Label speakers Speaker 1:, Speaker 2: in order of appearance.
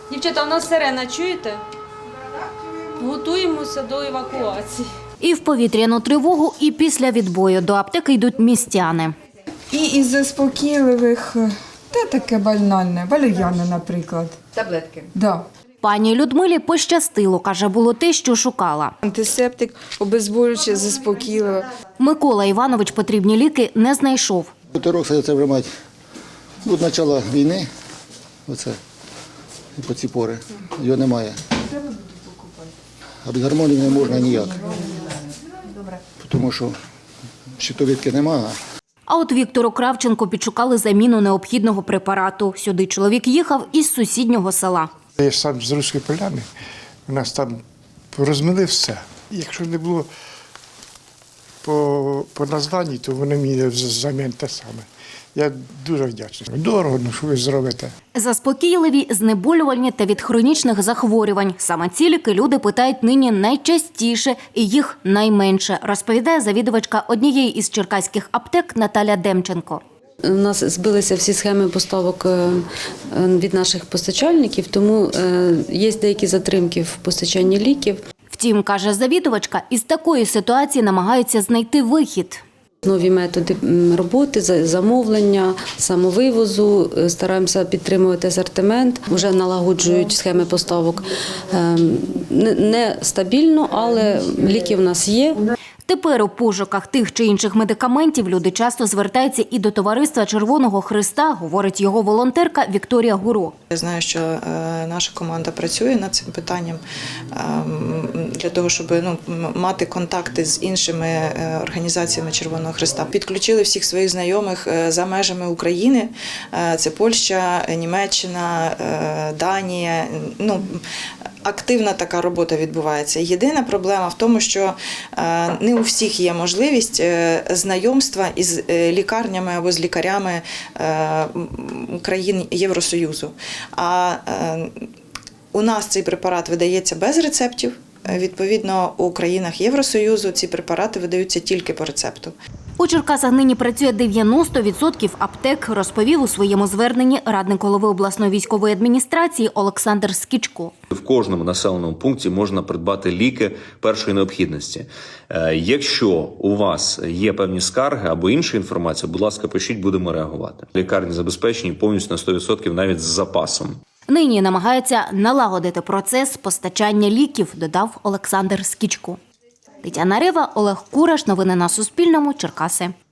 Speaker 1: Дівчата, у нас сирена, чуєте? Готуємося до евакуації.
Speaker 2: І в повітряну тривогу, і після відбою до аптеки йдуть містяни.
Speaker 3: І із заспокійливих, таке банальне, валер'яна, наприклад.
Speaker 4: Таблетки.
Speaker 3: Да.
Speaker 2: Пані Людмилі пощастило, каже, було те, що шукала.
Speaker 3: Антисептик, обезболююче, заспокійливе.
Speaker 2: Микола Іванович потрібні ліки не знайшов.
Speaker 5: Бутерок це вже мать від початку війни, оце, і по ці пори, його немає. А без гормонів не можна ніяк, тому що щитовідки немає.
Speaker 2: А от Віктору Кравченко підшукали заміну необхідного препарату. Сюди чоловік їхав із сусіднього села.
Speaker 6: Я ж сам з Руської Поляни, у нас там розмили все. Якщо не було по названні, то вони мені замін те саме. Я дуже вдячний. Дорого, ну що ви зробите.
Speaker 2: Заспокійливі, знеболювальні та від хронічних захворювань. Саме ці ліки люди питають нині найчастіше і їх найменше, розповідає завідувачка однієї із черкаських аптек Наталя Демченко.
Speaker 1: У нас збилися всі схеми поставок від наших постачальників, тому є деякі затримки в постачанні ліків.
Speaker 2: Втім, каже завідувачка, із такої ситуації намагаються знайти вихід.
Speaker 1: Нові методи роботи, замовлення, самовивозу, стараємося підтримувати асортимент, вже налагоджують схеми поставок. Не стабільно, але ліки в нас є.
Speaker 2: Тепер у пошуках тих чи інших медикаментів люди часто звертаються і до товариства Червоного Хреста, говорить його волонтерка Вікторія Гуро.
Speaker 7: Я знаю, що наша команда працює над цим питанням для того, щоб мати контакти з іншими організаціями Червоного Хреста. Підключили всіх своїх знайомих за межами України. Це Польща, Німеччина, Данія. Активна така робота відбувається. Єдина проблема в тому, що не у всіх є можливість знайомства із лікарнями або з лікарями країн Євросоюзу. А у нас цей препарат видається без рецептів. Відповідно, у країнах Євросоюзу ці препарати видаються тільки по рецепту.
Speaker 2: У Черкасах нині працює 90% аптек, розповів у своєму зверненні радник голови обласної військової адміністрації Олександр Скічко.
Speaker 8: В кожному населеному пункті можна придбати ліки першої необхідності. Якщо у вас є певні скарги або інша інформація, будь ласка, пишіть, будемо реагувати. Лікарні забезпечені повністю на 100% навіть з запасом.
Speaker 2: Нині намагаються налагодити процес постачання ліків, додав Олександр Скічко. Тетяна Рева, Олег Кураш. Новини на Суспільному. Черкаси.